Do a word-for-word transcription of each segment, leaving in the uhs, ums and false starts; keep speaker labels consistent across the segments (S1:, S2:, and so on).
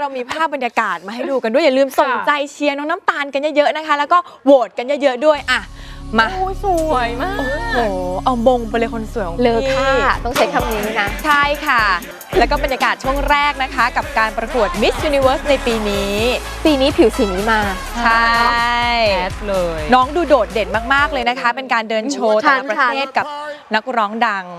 S1: เรามีภาพบรรยากาศมาให้ดูกันด้วยอย่าลืมส่งใจเชียร์น้องน้ำตาลกันเยอะๆนะคะแล้วก็โหวตกันเยอะๆด้วยอ่ะมา
S2: โอ้สวยมาก
S1: โอ้โหเอามงไปเลยคนสวยของพี่
S2: เลอค่าต้องใช้คำนี้นะ
S1: ใช่ค่ะ แล้วก็บรรยากาศช่วงแรกนะคะกับการประกวด Miss Universe ในปีนี้
S2: ปีนี้ผิวสีนี้มา
S1: ใช่
S3: แอดเลย
S1: น้องดูโดดเด่นมากๆเลยนะคะเป็นการเดินโชว์แต่ละประเทศกับนักร้องดัง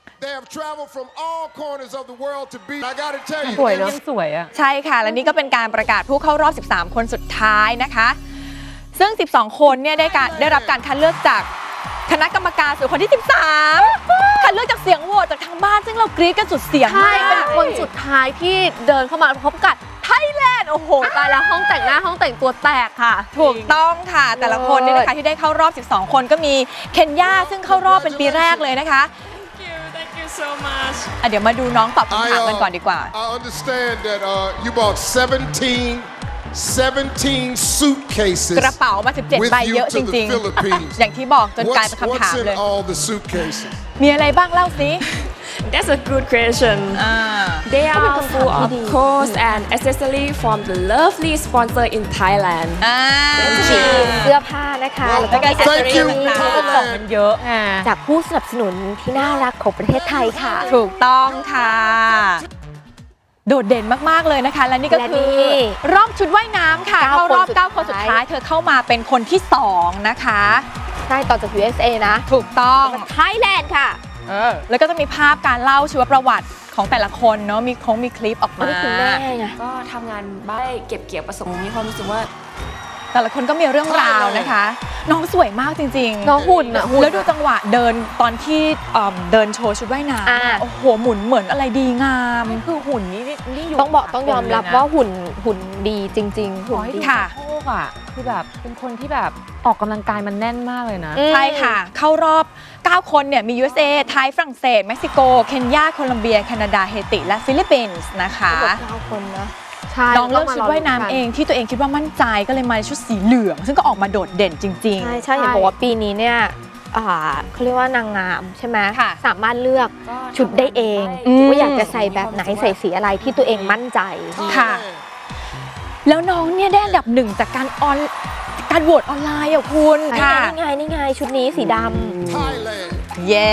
S3: สวยเนาะสวยอ่ะ
S1: ใช่ค่ะและนี่ก็เป็นการประกาศผู้เข้ารอบสิบสามคนสุดท้ายนะคะซึ่งสิบสองคนเนี่ยได้การได้รับการคัดเลือกจากคณะกรรมการส่วนคนที่สิบสามคัดเลือกจากเสียงโหวตจากทางบ้านซึ่งเรากรี๊ดกันสุดเสียง
S2: ใช่เป็นคนสุดท้ายที่เดินเข้ามาพบกับไทยแลนด์โอ้โหตายแล้วห้องแต่งหน้าห้องแต่งตัวแตกค่ะ
S1: ถูกต้องค่ะแต่ละคนเนี่ยนะคะที่ได้เข้ารอบสิบสองคนก็มีเคนยาซึ่งเข้ารอบเป็นปีแรกเลยนะคะ
S4: so much
S1: เดี๋ยวมาดูน้องตอบคำถามกันก่อนดีกว่า
S5: I understand that uh, you bought seventeen seventeen suitcases
S1: กระเป๋ามาสิบเจ็ดใบเยอะจริงๆอย่างที่บอกจนกลายเป็นคำถามเลย
S5: all the suitcases
S1: มีอะไรบ้างเล่าสิ
S4: That's a good question They are full of clothes and accessories from the lovely sponsor in Thailand
S2: เสื้อผ้านะคะแล้วก็
S5: Thank you
S1: ของมันเยอะ
S2: จากผู้สนับสนุนที่น่ารักของประเทศไทยค่ะ
S1: ถูกต้องค่ะโดดเด่นมากๆเลยนะคะและนี่ก็คือรอบชุดว่ายน้ำค่ะเข้ารอบเก้าคนสุดท้ายเธอเข้ามาเป็นคนที่สองนะคะ
S2: ใช่ต่อจาก ยู เอส เอ นะ
S1: ถูกต้อง
S2: ไทยแลนด์ค่ะ
S1: แล้วก็จะมีภาพการเล่าชีวประวัติของแต่ละคนเนาะมีคงมีคลิปออกมา
S2: คุณแม่ไง
S4: ก็ทำงานบ้านเก็บเกี่ยวประสบมีความรู้สึกว่า
S1: แต่ละคนก็มีเรื่องราวนะคะน้องสวยมากจริงๆ
S2: น้องหุ่นอะ
S1: แล้วดูจังหวะเดินตอนที่เดินโชว์ชุดว่ายน้ำโอ้โหหมุนเหมือนอะไรดีงาม
S3: คือหุ่นนี่นี่อยู่
S2: ต้องบอกต้องยอมรับว่าหุ่นหุ่นดีจริงๆหุ่นดี
S1: ค่ะ
S3: โอ้อะคือแบบเป็นคนที่แบบออกกำลังกายมันแน่นมากเลยนะ
S1: ใช่ค่ะเข้ารอบเก้าคนเนี่ยมี ยู เอส เอ ไทยฝรั่งเศสเม็กซิโกเคนยาโคลัมเบียแคนาดาเฮติและฟิลิปปินส์นะคะ
S2: เก้าคนนะ
S1: น้องเลือกชุดว่ายน้ำเองที่ตัวเองคิดว่ามั่นใจก็เลยมาในชุดสีเหลืองซึ่งก็ออกมาโดดเด่นจริงๆ
S2: ใช่ใช่เห็นบอกว่าปีนี้เนี่ยเขาเรียกว่านางงามใช่ไหมสามารถเลือกชุดได้เองว่าอยากจะใส่แบบไหนใส่สีอะไรที่ตัวเองมั่นใจ
S1: ค่ะแล้วน้องเนี่ยได้อันดับหนึ่งจากการออนการโหวตออนไลน์อ่ะคุณ
S2: ค่ะนี่ไงนี่ไงชุดนี้สีดำ
S1: เย้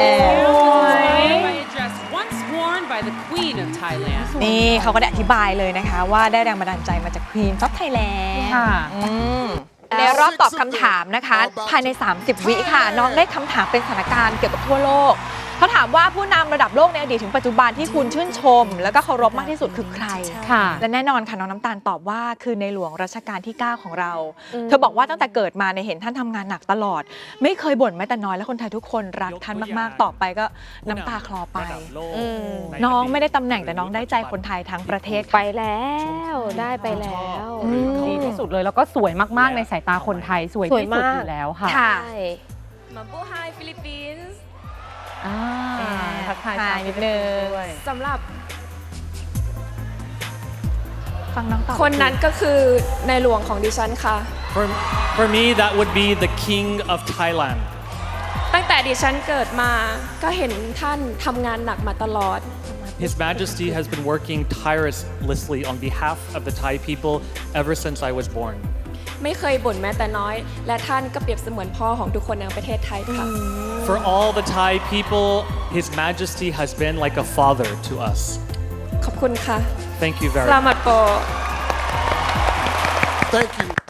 S1: นี่เขาก็ได้อธิบายเลยนะคะว่าได้แรงบันดาลใจมาจาก Queen of Thailand
S3: ค่ะ
S1: ในรอบตอบคำถามนะคะภายในสามสิบวิค่ะน้องได้คำถามเป็นสถานการณ์เกี่ยวกับทั่วโลกเขาถามว่าผู้นำระดับโลกในอดีตถึงปัจจุบันที่คุณชื่นชมแล้วก็เคารพมากที่สุดคือใคร
S3: ค่ะ
S1: และแน่นอนค่ะน้องน้ำตาลตอบว่าคือในหลวงรัชกาลที่เก้าของเราเธอบอกว่าตั้งแต่เกิดมาในเห็นท่านทำงานหนักตลอดไม่เคยบ่นแม้แต่น้อยและคนไทยทุกคนรักท่านมากๆต่อไปก็น้ำตาคลอไปน้องไม่ได้ตำแหน่งแต่น้องได้ใจคนไทยทั้งประเทศ
S2: ไปแล้วได้ไปแล้ว
S3: ดีที่สุดเลยแล้วก็สวยมากๆในสายตาคนไทยสวยที่สุดอยู่แล้วค่ะ
S4: มาบูไฮฟิลิปปินส์
S1: ทักทายนิดนึง
S4: สำหรับ
S1: ฟังน้องตอบ
S4: คนนั้นก็คือในหลวงของดิฉันค่ะ
S6: For for me that would be the King of Thailand
S4: ตั้งแต่ดิฉันเกิดมาก็เห็นท่านทำงานหนักมาตลอด
S6: His Majesty has been working tirelessly on behalf of the Thai people ever since I was born
S4: ไม่เคยบ่นแม้แต่น้อยและท่านก็เปรียบเสมือนพ่อของทุกคนในประเทศไทยค่ะ
S6: For all the Thai people His Majesty has been like a father to us
S4: ขอบคุณค่ะ
S6: Thank you very much
S4: สลามัดโป
S5: Thank you